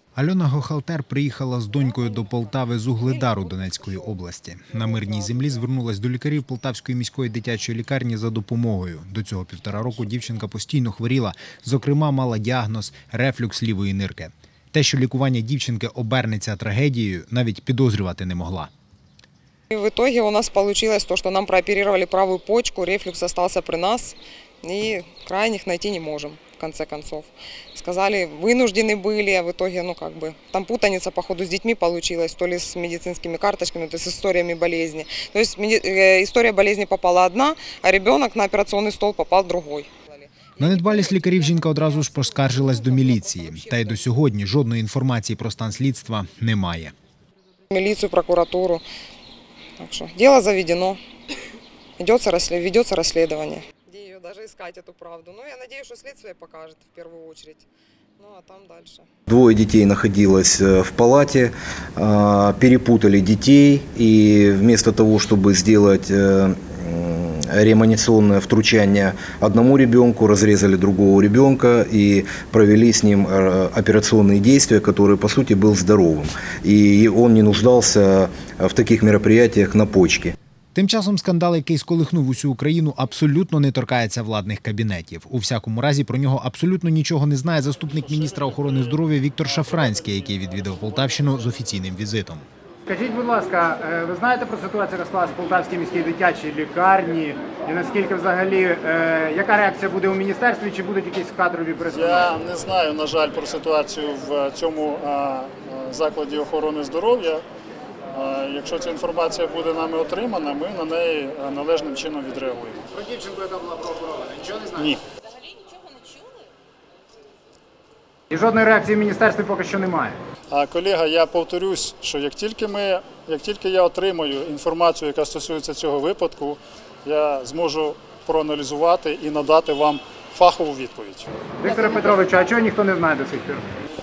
Альона Гохалтер приїхала з донькою до Полтави з Угледару Донецької області. На мирній землі звернулась до лікарів Полтавської міської дитячої лікарні за допомогою. До цього 1,5 року дівчинка постійно хворіла, зокрема мала діагноз – рефлюкс лівої нирки. Те, що лікування дівчинки обернеться трагедією, навіть підозрювати не могла. В итоге у нас получилось то, что нам прооперировали правую почку, рефлюкс остался при нас, и крайних найти не можем, в конце концов. Сказали, вынуждены были, а в итоге, там путаница, походу, с детьми получилась, то ли с медицинскими карточками, то есть с историями болезни. То есть история болезни попала одна, а ребенок на операционный стол попал другой. На недбалість лікарів жінка одразу ж поскаржилась до міліції. Та й до сьогодні жодної інформації про стан слідства немає. Милицию, прокуратуру. Так что дело заведено, ведется расследование. Где ее даже искать, эту правду? Я надеюсь, что следствие покажет в первую очередь. А там дальше. Двое детей находилось в палате, перепутали детей, и вместо того, чтобы сделать реанимационное втручание одному ребенку, разрезали другого ребенка и провели с ним операционные действия, который, по сути, был здоровым. И он не нуждался в таких мероприятиях на почке. Тим часом скандал, який сколихнув усю Україну, абсолютно не торкається владних кабінетів. У всякому разі, про нього абсолютно нічого не знає заступник міністра охорони здоров'я Віктор Шафранський, який відвідав Полтавщину з офіційним візитом. Скажіть, будь ласка, ви знаєте про ситуацію, яка склалась в Полтавській міській дитячій лікарні? І наскільки взагалі, яка реакція буде у міністерстві, чи будуть якісь кадрові перестановки? Я не знаю, на жаль, про ситуацію в цьому закладі охорони здоров'я. Якщо ця інформація буде нами отримана, ми на неї належним чином відреагуємо. Про дівчинку, яка була прооперована, нічого не знаєте? Ні. Взагалі нічого не чули? І жодної реакції в міністерстві поки що немає? Колега, я повторюсь, що як тільки я отримаю інформацію, яка стосується цього випадку, я зможу проаналізувати і надати вам фахову відповідь. Вікторе Петровичу, а чого ніхто не знає до сих пір?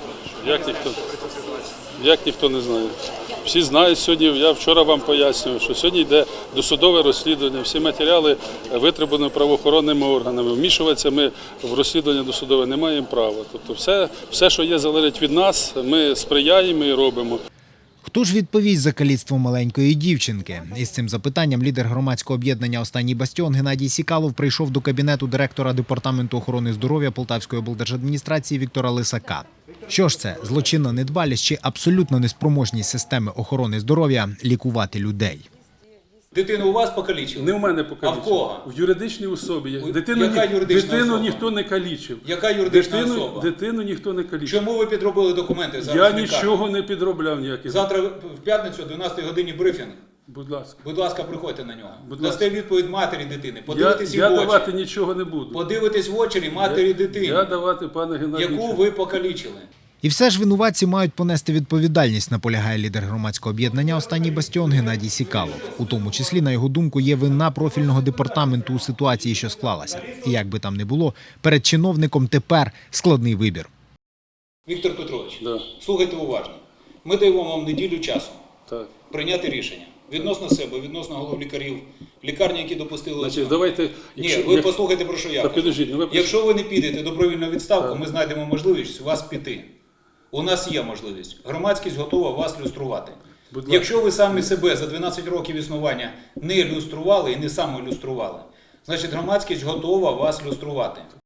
Як ніхто не знає? Всі знають сьогодні, я вчора вам пояснював, що сьогодні йде досудове розслідування, всі матеріали витребувані правоохоронними органами. Вмішуватися ми в розслідування досудове не маємо права. Тобто все, що є, залежить від нас, ми сприяємо і робимо. Хто ж відповість за каліцтво маленької дівчинки? Із цим запитанням лідер громадського об'єднання «Останній бастіон» Геннадій Сікалов прийшов до кабінету директора Департаменту охорони здоров'я Полтавської облдержадміністрації Віктора Лисака. Що ж це, злочинна недбалість чи абсолютно неспроможність системи охорони здоров'я лікувати людей? Дитину у вас покалічили? Не в мене покалічили. А в кого? В юридичній особі. Яка юридична Дитину особа? ніхто не калічив. Яка юридична особа? Дитину ніхто не калічив. Чому ви підробили документи зараз? Я в лікарні? нічого не підробляв ніяких. Завтра в п'ятницю о 12 годині брифінг. Будь ласка. Будь ласка, приходьте на нього. Будь Дасте ласка. відповідь матері дитини. Подивитесь їй Я в очі. давати нічого не буду. Подивитесь в очі матері дитини, Я давати, пане Геннадію. яку ви покалічили. І все ж винуватці мають понести відповідальність, наполягає лідер громадського об'єднання «Останній бастіон» Геннадій Сікалов. У тому числі, на його думку, є вина профільного департаменту у ситуації, що склалася. І як би там не було, перед чиновником тепер складний вибір. Віктор Петрович, Да. слухайте уважно. Ми даємо вам неділю часу Так. прийняти рішення відносно себе, відносно голов лікарів, лікарні, які допустили. Значить, давайте... Ні, ви послухайте, про що я Та кажу. підождіть, ну ви... Якщо ви не підете добровільну відставку, ми знайдемо можливість вас піти. У нас є можливість. Громадськість готова вас люструвати. Якщо ви самі себе за 12 років існування не люстрували і не самолюстрували, значить громадськість готова вас люструвати.